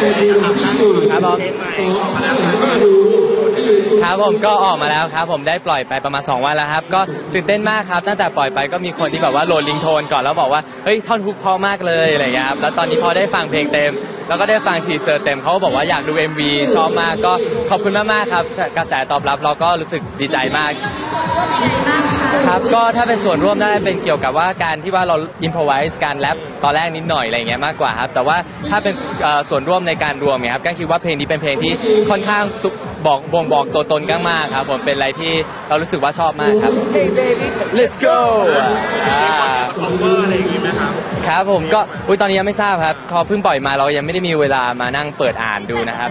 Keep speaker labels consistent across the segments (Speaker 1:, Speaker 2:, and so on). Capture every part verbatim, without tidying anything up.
Speaker 1: ครับผมครับผมก็ออกมาแล้วครับผมได้ปล่อยไปประมาณสองวันแล้วครับก็ตื่นเต้นมากครับตั้งแต่ปล่อยไปก็มีคนที่แบบว่าโหลดลิงโทนก่อนแล้วบอกว่าเฮ้ยท่อนฮุกเพราะมากเลยอะไรเงี้ยครับแล้วตอนนี้พอได้ฟังเพลงเต็มแล้วก็ได้ฟังทีเซอร์เต็มเขาก็บอกว่าอยากดู เอ็ม วี ชอบมากก็ขอบคุณมากๆครับกระแสตอบรับเราก็รู้สึกดีใจมากครับก็ถ้าเป็นส่วนร่วมได้เป็นเกี่ยวกับว่าการที่ว่าเราอิมพอไวส์การแรปตอนแรกนิดหน่อยอะไรเงี้ยมากกว่าครับแต่ว่าถ้าเป็นส่วนร่วมในการรวมเนี่ยครับก็คิดว่าเพลงนี้เป็นเพลงที่ค่อนข้างบอกบ่งบอกตัวตนก้างมากครับผมเป็นอะไรที่เรารู้สึกว่าชอบมากครับ Hey baby let's go อ่าอะไรอย่างงี้ไหมครับครับผมก็อุ้ยตอนนี้ยังไม่ทราบครับเขาเพิ่งปล่อยมาเรายังไม่ได้มีเวลามานั่งเปิดอ่านดูนะครับ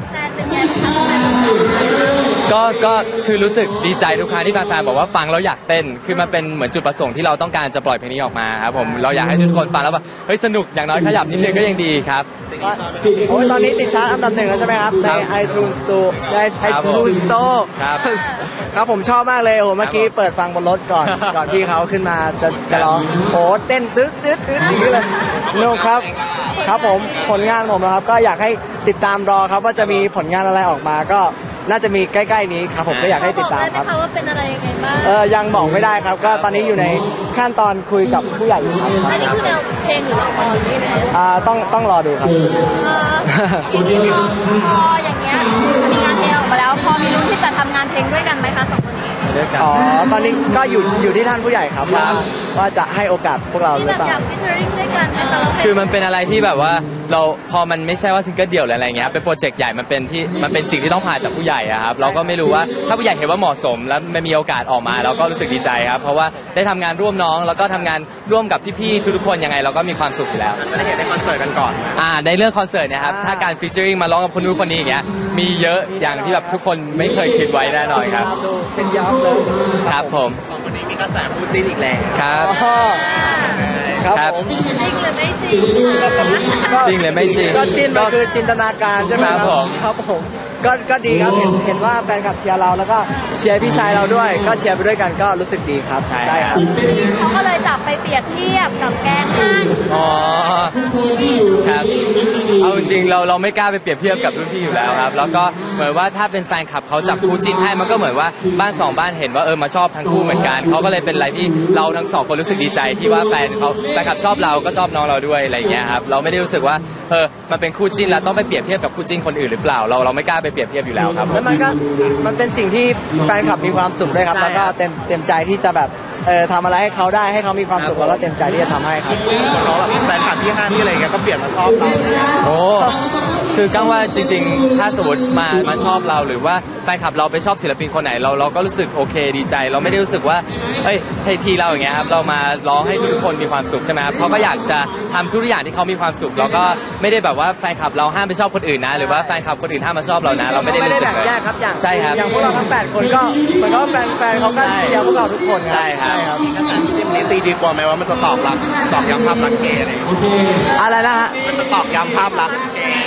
Speaker 1: ก็ก็คือรู้สึกดีใจทุกครั้งที่แฟนๆบอกว่าฟังแล้วอยากเต้นคือมันเป็นเหมือนจุดประสงค์ที่เราต้องการจะปล่อยเพลงนี้ออกมาครับผมเราอยากให้ทุกคนฟังแล้วแบบเฮ้ยสนุกอย่างน้อยขยับนิดนึงก็ยังดีครับ
Speaker 2: โอ้ยตอนนี้ติดชาร์ตอันดับหนึ่งแล้วใช่ไหมครับใน iTunes Store ใน iTunes Store
Speaker 1: ครับ
Speaker 2: ครับผมชอบมากเลยโอ้เมื่อกี้เปิดฟังบนรถก่อนก่อนที่เขาขึ้นมาจะจะร้องโอ้เต้นตึ๊ดตึ๊ดตึ๊ดอย่างนี้เลยนุ่ครับครับผมผลงานผมนะครับก็อยากให้ติดตามรอครับว่าจะมีผลงานอะไรออกมาก็น่าจะมีใกล้ๆนี้ครับผมก็อยากให้ติดตามครับ
Speaker 3: ว่าเป็นอะไรยังไงบ้าง
Speaker 2: เออยังบอกไม่ได้ครับก็ตอนนี้อยู่ในขั้นตอนคุยกับผู้ใหญ่อยู่ครับ
Speaker 3: อันนี้คือแนวเพลงหรือละครนี่นะ
Speaker 2: อ่าต้องต้องรอดูครับ
Speaker 3: ทีนี้พออย่างเงี้ยมีงานเพลงออกมาแล้วพอมีลุ้นที่จะทำงานเพลงด้วยกันไหมคะสองคนนี้
Speaker 2: อ๋อตอนนี้ก็อยู่อยู่ที่ท่านผู้ใหญ่ครับว่าว่าจะให้โอกาสพวกเราหรือเปล่า
Speaker 3: อยากฟิชเชอริ่งด้วยกันเป็นตลก
Speaker 1: คือมันเป็นอะไรที่แบบว่าเราพอมันไม่ใช่ว่าซิงเกิลเดี่ยวหรืออะไรเงี้ยเป็นโปรเจกต์ใหญ่มันเป็นที่มันเป็นสิ่งที่ต้องผ่านจากผู้ใหญ่อะครับเราก็ไม่รู้ว่าถ้าผู้ใหญ่เห็นว่าเหมาะสมแล้วไม่มีโอกาสออกมาเราก็รู้สึกดีใจครับเพราะว่าได้ทำงานร่วมน้องแล้วก็ทำงานร่วมกับพี่ๆทุกๆคนยังไงเราก็มีความสุขอยู่แล้ว
Speaker 2: ได้เห็นในคอนเสิร์ตกันก่อน
Speaker 1: อ่าในเรื่องคอนเสิร์ตเนี่ยครับถ้าการฟีเจอริ่งมาร้องกับคนนู้นคนนี้อย่างเงี้ยมีเยอะอย่างที่แบบทุกคนไม่เคยคิดไว้แน่นอนครับ
Speaker 2: เป็นยับเลย
Speaker 1: ครับผม
Speaker 2: วันนี้มีกระแสพูดจริงอีกแล้ว
Speaker 1: ครับ
Speaker 2: ครับผม
Speaker 3: จริงหรือไม่จริง
Speaker 1: จริงหรือไม่จริง
Speaker 2: ก็จินมันคือจินตนาการใช่ไหมครับครับผมก็ก็ดีครับเห็นเห็นว่าแฟนคลับเชียร์เราแล้วก็เชียร์พี่ชายเราด้วยก็เชียร์ไปด้วยกันก็รู้สึกดีครับ
Speaker 1: ใช่ครับ
Speaker 3: เขาก็เลยจับไปเปรียบเทียบกับแกงฮั่น
Speaker 1: อ๋อครับเอาจริงเราเราไม่กล้าไปเปรียบเทียบกับรุ่นพี่อยู่แล้วครับแล้วก็เหมือนว่าถ้าเป็นแฟนคลับเขาจับคู่จิ้นให้มันก็เหมือนว่าบ้านสองบ้านเห็นว่าเออมาชอบทั้งคู่เหมือนกันเขาก็เลยเป็นอะไรที่เราทั้งสองคนรู้สึกดีใจที่ว่าแฟนเขาแฟนคลับชอบเราก็ชอบน้องเราด้วยอะไรอย่างเงี้ยครับเราไม่ได้รู้สึกว่าเออมันเป็นคู่จิ้นแล้วต้องไปเปรียบเทียบกับคู่จิ้นคนอื่นหรือเปล่าเราเราไม่กล้าไปเปรียบเทียบอยู่แล้วครับ
Speaker 2: แล้วมันก็มันเป็นสิ่งที่แฟนคลับมีความสุขด้วยครับแล้วก็เต็มเต็มใจที่จะแบบเออทำอะไรให้เขาได้ให้เขามีความสุขแล้วก็เต็มใจที่จะทำให้ครับ
Speaker 1: เขาแบบแฟนคลับที่ห้าที่อะไรเงี้ยก็เปลี่ยนมาชอบเราโอ้คือก้าวว่าจริงๆถ้าสมมติมามาชอบเราหรือว่าแฟนคลับเราไปชอบศิลปินคนไหนเราเราก็รู้สึกโอเคดีใจเราไม่ได้รู้สึกว่าเฮ้ยให้ทีเราอย่างเงี้ยครับเรามาร้องให้ทุกคนมีความสุขใช่ไหมครับเขาก็อยากจะทำทุกอย่างที่เขามีความสุขเราก็ไม่ได้แบบว่าแฟนคลับเราห้ามไปชอบคนอื่นนะหรือว่าแฟนคลับคนอื่นห้ามมาชอบเรานะเราไม่ได้รู้สึกเลย
Speaker 2: แยกครับอย่าง
Speaker 1: ใช่ครับ
Speaker 2: อย่างพวกเราทั้งแปดคนก็เหมือนกับแฟนแฟนเขาก็เชียร์พวกเราทุกคน
Speaker 1: ใช่ครับ
Speaker 2: กระแสที่นี้ซีดีกว่าไหมว่ามันจะตอบรับตอกย้ำภาพลักษณ์เกย์อะไรอะไรนะฮะ
Speaker 1: มันจะตอกย้ำภาพลักษณ์เกย์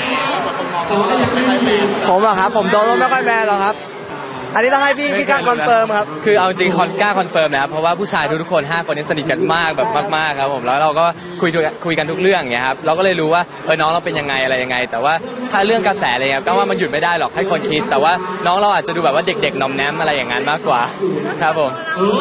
Speaker 2: ผมเหรอครับผมโดนไม่ค่อยแมนหรอกครับอันนี้ต้องให้พี่พี่กล้าคอนเฟิร์มครับ
Speaker 1: คือเอาจริงคอนกล้าคอนเฟิร์มนะครับเพราะว่าผู้ชายทุกๆคนห้าคนนี้สนิทกันมากแบบมากๆครับผมแล้วเราก็คุยคุยกันทุกเรื่องอย่างเงี้ยครับเราก็เลยรู้ว่าเออน้องเราเป็นยังไงอะไรยังไงแต่ว่าถ้าเรื่องกระแสอะไรเงี้ยก็ว่ามันหยุดไม่ได้หรอกให้คนคิดแต่ว่าน้องเราอาจจะดูแบบว่าเด็กๆนอมแนมอะไรอย่างนั้นมากกว่าครับผม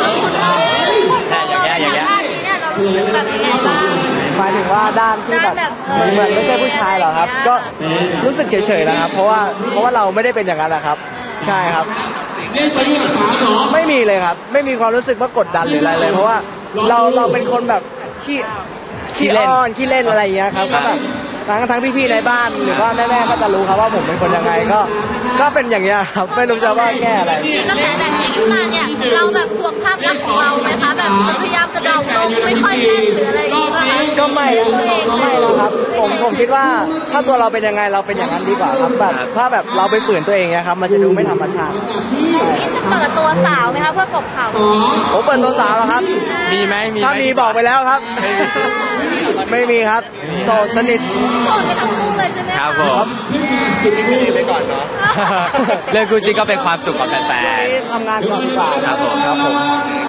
Speaker 3: อย่างเงี้ยอย่างเงี้ยเรารู้สึกแบบยังไงบ้าง
Speaker 2: หมายถึงว่าด้านที่แบบเหมือนเหมือนไม่ใช่ผู้ชายหรอครับก็รู้สึกเฉยๆนะครับเพราะว่าเพราะว่าเราไม่ได้เป็นอย่างนั้นนะครับใช่ครับไม่มีเลยครับไม่มีความรู้สึกว่ากดดันหรืออะไรเลยเพราะว่าเราเราเป็นคนแบบขี้ขี้อ้อนขี้เล่นอะไรอย่างเงี้ยครับก็แบบทั้งทั้งพี่ๆในบ้านหรือว่าแม่ๆก็จะรู้ครับว่าผมเป็นคนยังไงก็ก็เป็นอย่างเงี้ยครับไม่รู้จะว่าแก้อะไร
Speaker 3: มีกระแสแบบนี้ขึ้นมาเนี่ยเราแบบห่วงภาพลักษณ์ของเราไหมคะแบบพยายามจะดาวลงไม่ค่อยเล่นหรืออะไรอย่างเงี้ย
Speaker 2: ก็ไม่ไม่แล้วครับผมผมคิดว่าถ้าตัวเราเป็นยังไงเราเป็นอย่างนั้นดีกว่าครับแบบถ้าแบบเราไปฝืนตัวเองเนี่ยครับมันจะดูไม่ธรรมชาติ
Speaker 3: เปิดตัวสาวไหมคะเพื่อกบข่าว
Speaker 2: ผมเปิดตัวสาวแล้วครับ
Speaker 1: มีไหมมี
Speaker 2: ถ้ามีบอกไปแล้วครับไม่มีครับโสดสนิท
Speaker 3: โสดไปทั้งคู่เลยใช่ไหม
Speaker 1: ครับผม
Speaker 2: คิดไม่ดีไปก่อนเนาะ
Speaker 1: เรื่องคู่จริงก็เป็นความสุขของแฟน
Speaker 2: ๆทำงานก่อนดีกว่า
Speaker 1: ครับผมครับผม